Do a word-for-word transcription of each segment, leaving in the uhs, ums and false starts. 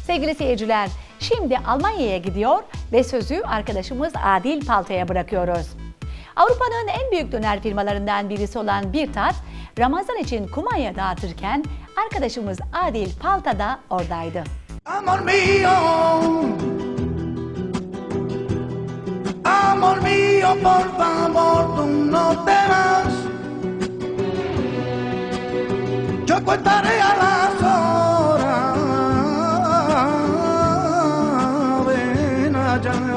Sevgili seyirciler, şimdi Almanya'ya gidiyor ve sözü arkadaşımız Adil Palta'ya bırakıyoruz. Avrupa'nın en büyük döner firmalarından birisi olan Birtat, Ramazan için kumanya dağıtırken arkadaşımız Adil Palta da oradaydı. Amor mío, amor mío, por favor, tú no te vas. Yo contaré a las horas, ven allá.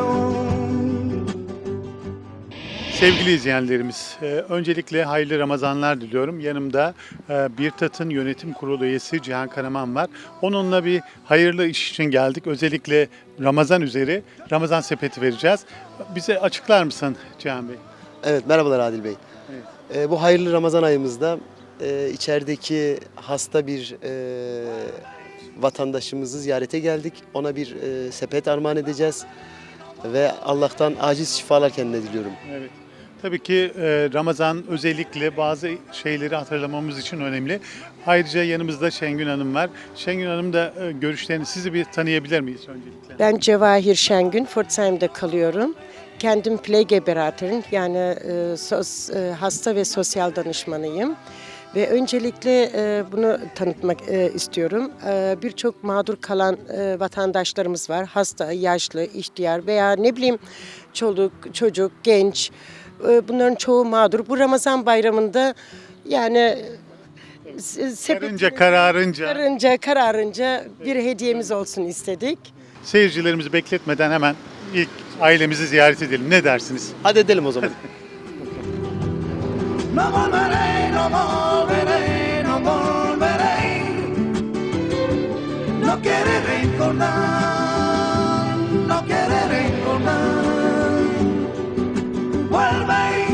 Sevgili izleyenlerimiz, e, öncelikle hayırlı Ramazanlar diliyorum. Yanımda e, Birtat'ın yönetim kurulu üyesi Cihan Karaman var. Onunla bir hayırlı iş için geldik. Özellikle Ramazan üzeri Ramazan sepeti vereceğiz. Bize açıklar mısın Cihan Bey? Evet, merhabalar Adil Bey. Evet. Ee, bu hayırlı Ramazan ayımızda e, içerideki hasta bir e, vatandaşımızı ziyarete geldik. Ona bir e, sepet armağan edeceğiz ve Allah'tan aciz şifalar kendine diliyorum. Evet. Tabii ki e, Ramazan özellikle bazı şeyleri hatırlamamız için önemli. Ayrıca yanımızda Şengün Hanım var. Şengün Hanım da e, görüşlerini sizi bir tanıyabilir miyiz öncelikle? Ben Cevahir Şengün, Pforzheim'de kalıyorum. Kendim Pflegeberaterin yani e, sos, e, hasta ve sosyal danışmanıyım. Ve öncelikle e, bunu tanıtmak e, istiyorum. E, Birçok mağdur kalan e, vatandaşlarımız var. Hasta, yaşlı, ihtiyar veya ne bileyim çoluk, çocuk, genç. E, bunların çoğu mağdur. Bu Ramazan bayramında yani e, Karınca kararınca kararınca, kararınca bir hediyemiz olsun istedik. seyircilerimizi bekletmeden hemen ilk ailemizi ziyaret edelim. Ne dersiniz? Hadi edelim o zaman. No volveré, no volveré, no volveré. No quiere recordar, no quiere recordar. Vuelve.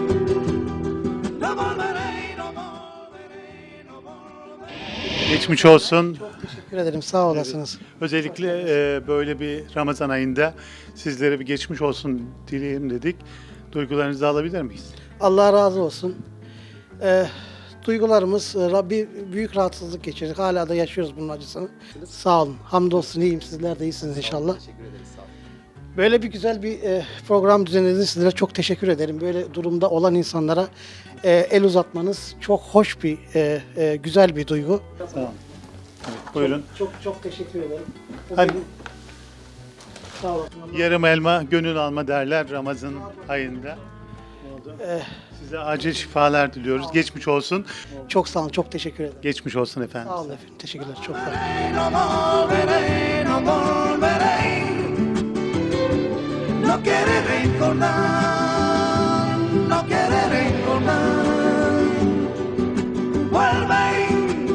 No volveré, no volveré, no volveré. Geçmiş olsun. Teşekkür ederim, sağ olasınız. Özellikle e, böyle bir Ramazan ayında sizlere bir geçmiş olsun dileyim dedik. Duygularınızı alabilir miyiz? Allah razı olsun. Ee, duygularımız, e, Rabbi büyük rahatsızlık geçirdik. Hala da yaşıyoruz bunun acısını. Sağ olun, hamdolsun iyiyim. Sizler de iyisiniz inşallah. Böyle bir güzel bir e, program düzenlediniz. Sizlere çok teşekkür ederim. Böyle durumda olan insanlara e, el uzatmanız çok hoş bir, e, e, güzel bir duygu. Sağ olun. Evet, buyurun. Çok çok teşekkür ederim. Hadi. Sağ olun. Yarım elma, gönül alma derler Ramazan ayında. Eh. Size acil şifalar diliyoruz. Geçmiş olsun. Çok sağ olun, çok teşekkür ederim. Geçmiş olsun efendim. Sağ olun efendim, teşekkürler. Çok sağ olun. No volveré, no volveré. No quiere recordar, no quiere recordar. Vuelve.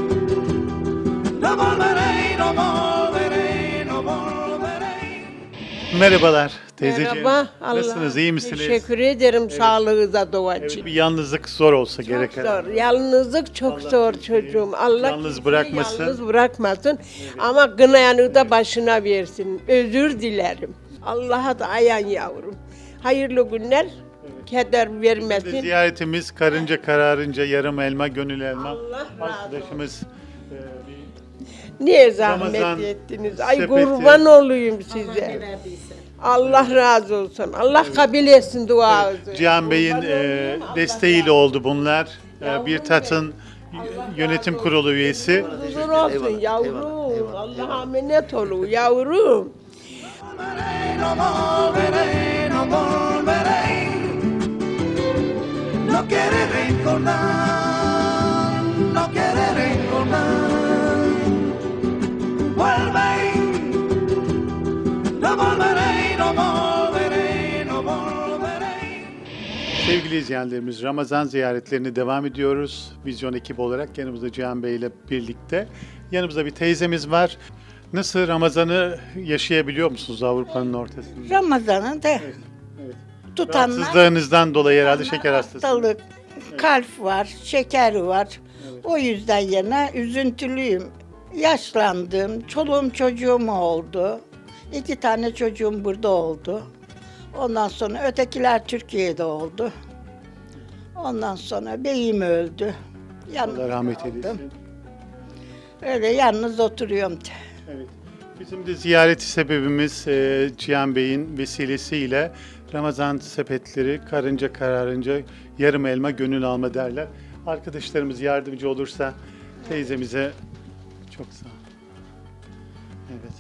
No volveré, no volveré, no volveré. Merhabalar teyzeciğim. Merhaba. Allah. Nasılsınız? İyi misiniz? Teşekkür ederim sağlığınıza dua Evet, için. bir yalnızlık zor olsa Çok gerek. zor. Yalnızlık çok Allah zor bizi çocuğum. Allah yalnız kimseyi bırakmasın. Yalnız bırakmasın. Ama gınayanı da başına versin. Özür dilerim. Allah'a da ayan yavrum. Hayırlı günler. Keder Şimdi vermesin. ziyaretimiz karınca kararınca yarım elma, gönül elma. Allah razı Arkadaşımız e, bir Niye zahmet Ramazan ettiniz? Ay sepeti. kurban olayım size. Allah razı olsun. Allah kabul etsin duanızı. Cihan Bey'in Kurban e, olayım, Allah desteğiyle oldu bunlar. E, Birtat'ın yönetim kurulu üyesi. Huzur olsun Eyvallah, yavrum. eyvallah, eyvallah, Allah'a emanet olun yavrum. No volveré, no volveré. No quiere recordar, no quiere recordar. Vuelve. No volveré, no volveré, no volveré. Sevgili izleyenlerimiz, Ramazan ziyaretlerini devam ediyoruz. Vizyon ekibi olarak yanımızda Cihan Bey ile birlikte. Yanımızda bir teyzemiz var. Nasıl Ramazan'ı yaşayabiliyor musunuz Avrupa'nın ortasında? Ramazan'ı da evet. tutanlar Rahatsızlığınızdan dolayı herhalde şeker hastası. hastalık, kalp var, şeker var. O yüzden yana üzüntülüyüm. Yaşlandım, çoluğum çocuğum oldu. İki tane çocuğum burada oldu. Ondan sonra ötekiler Türkiye'de oldu. Ondan sonra beyim öldü. Yalnız Allah rahmet kaldım. eylesin. Öyle yalnız oturuyorum. Evet. Bizim de ziyareti sebebimiz e, Cihan Bey'in vesilesiyle Ramazan sepetleri karınca kararınca yarım elma gönül alma derler. Arkadaşlarımız yardımcı olursa teyzemize çok sağ ol. Evet.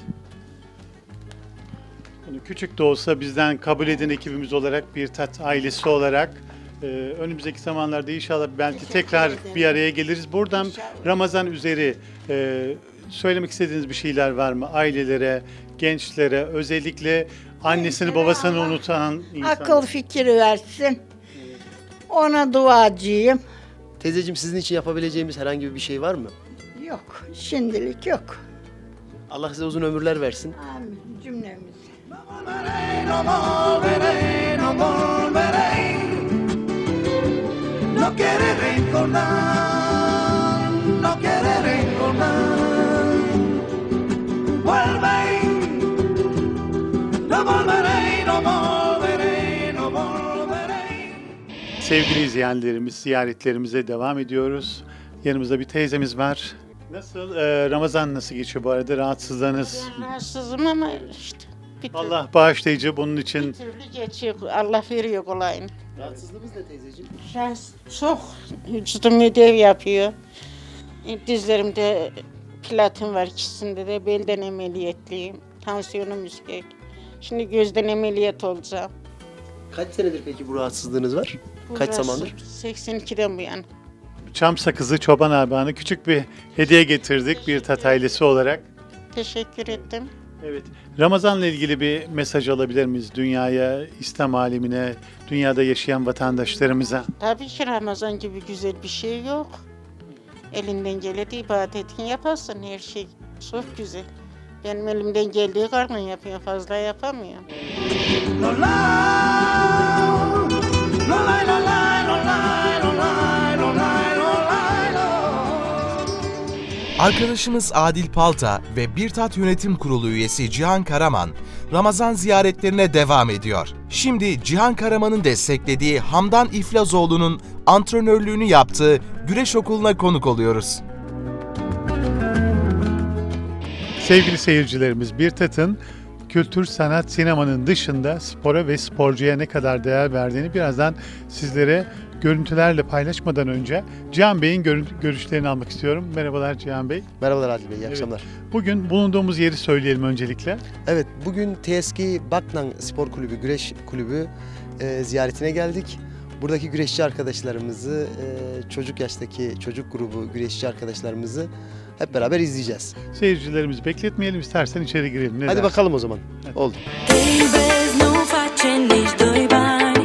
Bunu küçük de olsa bizden kabul edin ekibimiz olarak bir tat ailesi olarak e, önümüzdeki zamanlarda inşallah belki tekrar bir araya geliriz. Buradan Ramazan üzeri e, söylemek istediğiniz bir şeyler var mı? Ailelere, gençlere, özellikle annesini babasını unutan insanlar. Akıl fikir versin. Ona duacıyım. Teyzeciğim sizin için yapabileceğimiz herhangi bir şey var mı? Yok, şimdilik yok. Allah size uzun ömürler versin. Amin cümlemiz. volveré, no volveré, no volveré. No quiere recordar, no quiere recordar. Vuelve, no volveré, no volveré, no volveré. Sevgili izleyenlerimiz, ziyaretlerimize devam ediyoruz. Yanımızda bir teyzemiz var. Nasıl, e, Ramazan nasıl geçiyor bu arada? Rahatsızlığınız? Ben rahatsızım ama işte bir türlü, Allah bağışlayıcı bunun bir için. türlü geçiyor. Allah veriyor kolayını. Rahatsızlığınız ne teyzeciğim? Rahatsız, çok vücudum ödev yapıyor. E, Dizlerimde platin var, ikisinde de belden ameliyatlıyım. Tansiyonum yüksek. Şimdi gözden ameliyat olacağım. Kaç senedir peki bu rahatsızlığınız var? Bu Kaç rahatsız- zamandır? seksen ikiden bu yana. Çam sakızı çoban armağanı küçük bir hediye getirdik bir tat ailesi olarak. Teşekkür ettim. Evet. Ramazan'la ilgili bir mesaj alabilir miyiz dünyaya, İslam alemine, dünyada yaşayan vatandaşlarımıza? Tabii ki Ramazan gibi güzel bir şey yok. Elinden geleni ibadetini yaparsın, her şey çok güzel. Benim elimden geldiği kadar yapıyorum, fazla yapamıyorum. No lie, no lie, no lie, no lie, no lie, no lie, no lie, no. Arkadaşımız Adil Palta ve Bir Tat Yönetim Kurulu üyesi Cihan Karaman, Ramazan ziyaretlerine devam ediyor. Şimdi Cihan Karaman'ın desteklediği Hamdan İflazoğlu'nun antrenörlüğünü yaptığı güreş okuluna konuk oluyoruz. Sevgili seyircilerimiz, Bir Tat'ın kültür, sanat, sinemanın dışında spora ve sporcuya ne kadar değer verdiğini birazdan sizlere görüntülerle paylaşmadan önce Cihan Bey'in görü- görüşlerini almak istiyorum. Merhabalar Cihan Bey. Merhabalar Adil Bey, iyi Evet. akşamlar. Bugün bulunduğumuz yeri söyleyelim öncelikle. Evet, bugün T S K Baknan Spor Kulübü, Güreş Kulübü e, ziyaretine geldik. Buradaki güreşçi arkadaşlarımızı, e, çocuk yaştaki çocuk grubu güreşçi arkadaşlarımızı hep beraber izleyeceğiz. Seyircilerimizi bekletmeyelim, istersen içeri girelim. Ne Hadi dersin? bakalım o zaman. Oldu. Vezi nu facem nici doi bani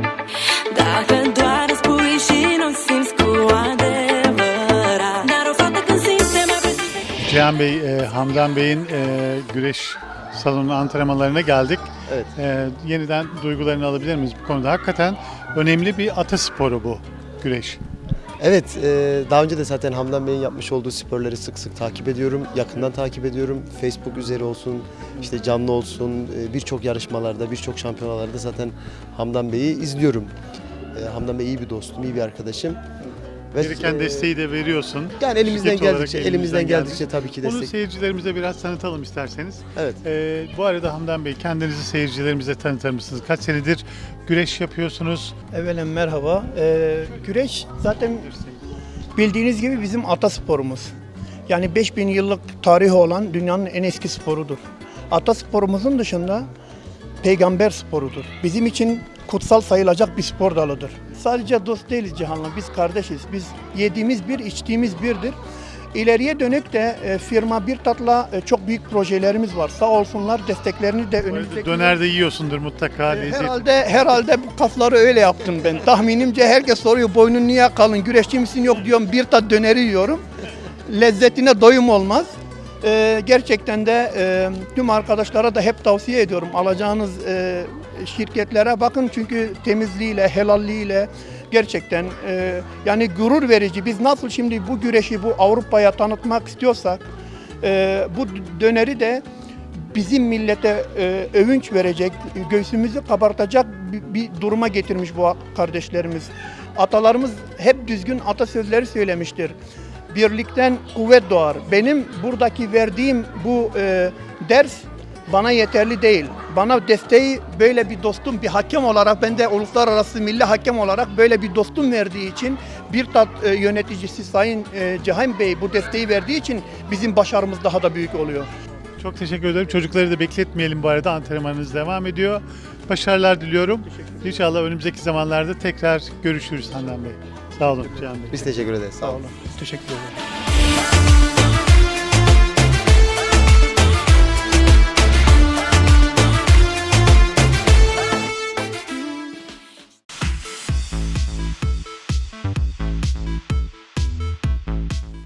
Dacă doar îți spui și nu simți cu adevărat Dar o fată când simte mai precis Cihan Bey, e, Hamdan Bey'in e, güreş salonu antrenmanlarına geldik. Evet. E, yeniden duygularını alabilir miyiz bu konuda? Hakikaten önemli bir atasporu bu güreş. Evet, e, daha önce de zaten Hamdan Bey'in yapmış olduğu sporları sık sık takip ediyorum. Yakından takip ediyorum. Facebook üzeri olsun, işte canlı olsun, e, birçok yarışmalarda, birçok şampiyonalarda zaten Hamdan Bey'i izliyorum. E, Hamdan Bey iyi bir dostum, iyi bir arkadaşım. Ve, Gereken e, desteği de veriyorsun. Yani elimizden Şirket olarak geldikçe, elimizden geldikçe tabii ki Bunu destek. seyircilerimize biraz tanıtalım isterseniz. Evet. E, bu arada Hamdan Bey, kendinizi seyircilerimize tanıtır mısınız? Kaç senedir güreş yapıyorsunuz? Evvelen merhaba. Ee, güreş zaten bildiğiniz gibi bizim atasporumuz. Yani beş bin yıllık tarihi olan dünyanın en eski sporudur. Atasporumuzun dışında peygamber sporudur. Bizim için kutsal sayılacak bir spor dalıdır. Sadece dost değiliz Cihan'la, biz kardeşiz. Biz yediğimiz bir, içtiğimiz birdir. İleriye dönük de e, firma Bir Tat'la e, çok büyük projelerimiz var. Sağ olsunlar, desteklerini de Bu arada önümüzdeki... döner de yiyorsundur mutlaka. Ee, lezzet. Herhalde herhalde bu kasları öyle yaptım ben. Tahminimce herkes soruyor boynun niye kalın, güreşçi misin? Yok diyorum, Bir Tat döneri yiyorum. Lezzetine doyum olmaz. Ee, gerçekten de e, tüm arkadaşlara da hep tavsiye ediyorum. Alacağınız e, şirketlere bakın çünkü temizliğiyle, helalliğiyle gerçekten e, yani gurur verici. Biz nasıl şimdi bu güreşi bu Avrupa'ya tanıtmak istiyorsak e, bu döneri de bizim millete e, övünç verecek, göğsümüzü kabartacak bir, bir duruma getirmiş bu kardeşlerimiz. Atalarımız hep düzgün atasözleri söylemiştir. Birlikten kuvvet doğar. Benim buradaki verdiğim bu e, ders bana yeterli değil. Bana desteği böyle bir dostum, bir hakem olarak, ben de uluslararası milli hakem olarak böyle bir dostum verdiği için, bir tat e, yöneticisi Sayın e, Cihan Bey bu desteği verdiği için bizim başarımız daha da büyük oluyor. Çok teşekkür ederim. Çocukları da bekletmeyelim bu arada. Antrenmanınız devam ediyor. Başarılar diliyorum. İnşallah önümüzdeki zamanlarda tekrar görüşürüz Handan Bey. Sağ olun Cihan Bey. Biz teşekkür ederiz. Sağ olun. Teşekkür ederim.